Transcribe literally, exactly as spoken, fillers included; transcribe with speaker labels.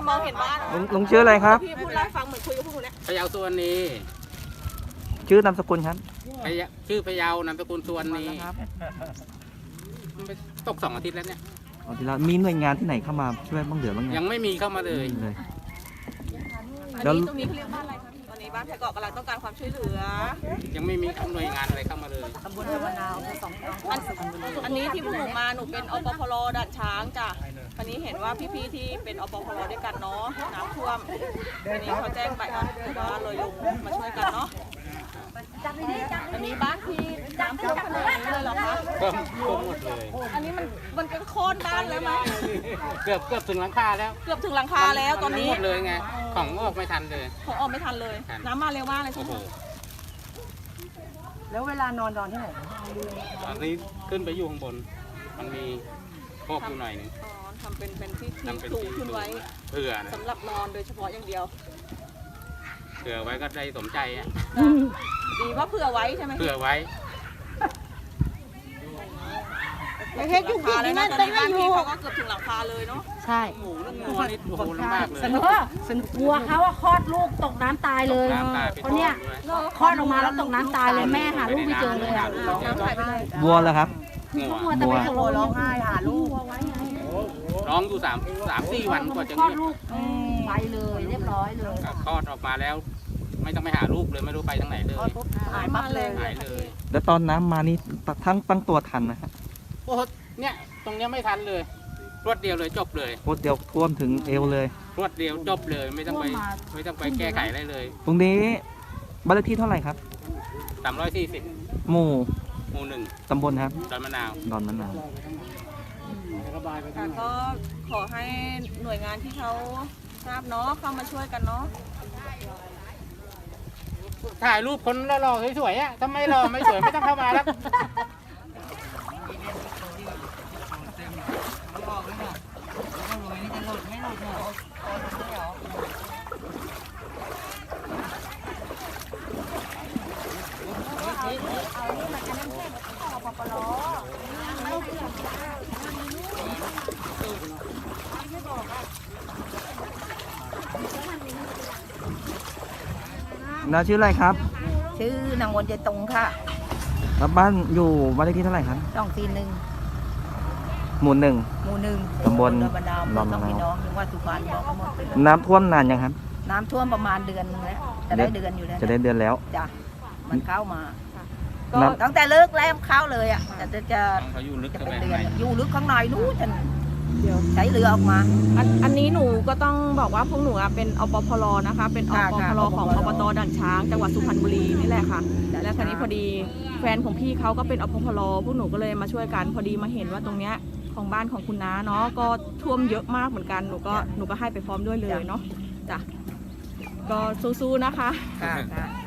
Speaker 1: มองเห็นบ้าน
Speaker 2: ลุงลุงชื่ออะไรครับ
Speaker 1: พี่พูดเล่าให้ฟังเหมือนคุยกับพวกหนูเนี่ย
Speaker 3: พะเยาสุวรรณี
Speaker 2: ชื่อนามสกุลครับ
Speaker 3: พะเยาชื่อพะเยานามสกุลสุวรรณี
Speaker 2: ครับ
Speaker 3: ตกสองอาทิตย์แล้วเนี่ย
Speaker 2: เอาทีละมีหน่วยงานที่ไหนเข้ามาช่วยบ้างเหลือบ้าง
Speaker 3: ยังไม่มีเข้ามาเลย
Speaker 2: เลย
Speaker 1: อัน
Speaker 2: แล้ว
Speaker 1: นี้ตรงนี้เขาเรียกบ้านอะไรคะพี่ตอนนี้บ้านแพรเกาะกำลังต้องการความช่วยเหลือ
Speaker 3: ยังไม่มีหน่วยงานอะไรเข้ามาเลย
Speaker 1: ตำบลธรรมนาวสองอันอันนี้ที่พวกหนูมาหนูเป็นอปพลด่านช้างจ้ะวันนี้เห็นว่าพี่ๆที่เป็นอปพลด้วยกันเนาะน้ำท่วมวันนี้เขาแจ้งไปอ่ะถือว่าเลยลงมาช่วยกันเนาะอันนี้บ้านพี่น้ำท่วมขนาดนี้เลยเหรอคะ
Speaker 3: ก็ก็หมดเลย
Speaker 1: อันนี้มันมันก็โค่นบ้านแล้วมั้ย
Speaker 3: เกือบเกือบถึงหลังคาแล้ว
Speaker 1: เกือบถึงหลังคาแล้วตอนนี้
Speaker 3: หมดเลยไงของออกไม่ทันเลย
Speaker 1: ผมออกไม่ทันเลย น้ำมาเร็วมากเลยใช่
Speaker 3: โอ้
Speaker 1: ไห
Speaker 3: โห
Speaker 1: ม
Speaker 4: แล้วเวลานอนนอนที่ไหน
Speaker 3: ตอนนี้ขึ้นไปอยู่ข้างบน มันมีพอกอยู่หน่อยหนึง
Speaker 1: อ๋อทำเป็นเป็นที่ที่
Speaker 3: ทำเป็น
Speaker 1: สูง
Speaker 3: ที่
Speaker 1: ขึ้นไว้
Speaker 3: เผื่อนะ
Speaker 1: สำหรับนอนโดยเฉพาะอย่างเดียว
Speaker 3: เผื่อไว้ก็ได้สมใจอ่ะ
Speaker 1: ดีว่าเผื่อไว้ใช่ไหม
Speaker 3: เผื่อไว้
Speaker 4: เฮ็ดอยู่ผิด
Speaker 1: แล้ว
Speaker 4: นี่
Speaker 1: นะ
Speaker 4: นะ
Speaker 1: ตอน
Speaker 4: ต้อ
Speaker 1: นี้
Speaker 4: ง
Speaker 1: บ้าน
Speaker 4: อยู่
Speaker 1: พี่เขาก็เกือบถึงหลังคาเลยเนาะ
Speaker 4: ใช่
Speaker 3: หมูเรื่องงัวนี่โอ้โหลำบากเลย
Speaker 4: สนุกสนุกวัวเขาอะคลอดลูกตกน้ำตายเลย
Speaker 3: น้ำตายไป
Speaker 4: เพราะเนี่ย
Speaker 3: ด้วย
Speaker 4: คลอดออกมาแล้วตกน้ำตายเลยแม่หาลูกไม่เจอเลยอะ
Speaker 1: น้ำหายไปเลย
Speaker 2: วัวแล้วครับ
Speaker 3: งัว
Speaker 4: มัวแต่ไปตกร้องไห้หาลูก
Speaker 3: ร้องอยู่สามสามสี่วันกว่าจะ
Speaker 4: คลอด
Speaker 3: เงียบ
Speaker 4: ลูกไปเลยเรียบร้อยเลย
Speaker 3: คลอดออกมาแล้ว ไม่ต้องไปหาลูกเลยไม่รู้ไปทางไหนเลย
Speaker 4: หายปั๊บเลย
Speaker 3: หายเลย
Speaker 2: แล้วตอนน้ำมานี่ทั้งตั้งตัวทันนะฮะ
Speaker 3: โอ้โหเนี่ยตรงเนี้ยไม่ทันเลย รวดเดียวเลยจบเลย
Speaker 2: โคตรเดียวท่วมถึงเอวเลย
Speaker 3: รวดเดียวจบเลยไม่ต้องไปไม่ต้องไปแก้ไขอะไรเลย
Speaker 2: ตรงนี้บ้านเลขที่เท่าไหร่ครับ
Speaker 3: สามร้อยสี่สิบ
Speaker 2: หมู่
Speaker 3: หมู่หนึ่ง
Speaker 2: ตำบลครับ
Speaker 3: ดอนมะนาว
Speaker 2: ดอนมะนาว
Speaker 1: ค่ะก็ขอให้หน่วยงานที่เขาทราบเนาะเข้ามาช่วยกันเนาะ
Speaker 3: ถ่ายรูปคนหล่อๆสวยๆอ่ะถ้าไม่หล่อไม่สวยไม่ต้องเข้ามาแล้ว
Speaker 2: น้าชื่ออะไรครับ
Speaker 4: ชื่อนางวนใจตรงค่ะ
Speaker 2: แล้วบ้านอยู่บ้านเลขที่เท่าไหร่ครับ
Speaker 4: ช่องตีหนึ่ง
Speaker 2: หมู่หนึ่ง
Speaker 4: หมู่หนึ่ง
Speaker 2: ตำบล
Speaker 4: ดอนมะนาว
Speaker 2: ดอนมะนาว
Speaker 4: ต้องพี่น้องจังหวัดสุพรรณบอกหมดเลย
Speaker 2: น้ำท่วมนานยังครับ
Speaker 4: น้ำท่วมประมาณเดือนนึงแล้วจะได้เดือนอยู่แล้ว
Speaker 2: จะได้เดือนแล้ว
Speaker 4: จ้ะมันเข้ามา ก็
Speaker 2: น้ำ
Speaker 4: ตั้งแต่เลิกแล้วเข้าเลยอ่ะแต่จะจะ
Speaker 3: เขาอยู่ลึก
Speaker 4: จะ
Speaker 3: เข้า
Speaker 4: เป็น
Speaker 3: ไป
Speaker 4: เดื
Speaker 3: ข้างใน
Speaker 4: อนอยู่ลึกข้างในนู้นจน
Speaker 1: เดี๋ยว
Speaker 4: ใช้เรือออกมา
Speaker 1: อันอันนี้หนูก็ต้องบอกว่าพวกหนูอะเป็นอปพลนะคะ เป็นอ
Speaker 4: ค่ะ
Speaker 1: ป
Speaker 4: ค่ะ
Speaker 1: พลของ
Speaker 4: อ
Speaker 1: อ
Speaker 4: ป
Speaker 1: บ
Speaker 4: พล
Speaker 1: ตด่านช้างจังหวัดสุพรรณบุรีนี่แหละค่ะ
Speaker 4: ด่าน
Speaker 1: และคราวนี้
Speaker 4: ช้าง
Speaker 1: พอดีแฟนของพี่เขาก็เป็นอปพลพวกหนูก็เลยมาช่วยกันพอดีมาเห็นว่าตรงเนี้ยของบ้านของคุณน้าเนาะก็ท่วมเยอะมากเหมือนกันหนูก็หนูก็ให้ไปพร้อมด้วยเลยเนาะจ้ะก็สู้ๆนะคะ
Speaker 4: ค่ะค่ะ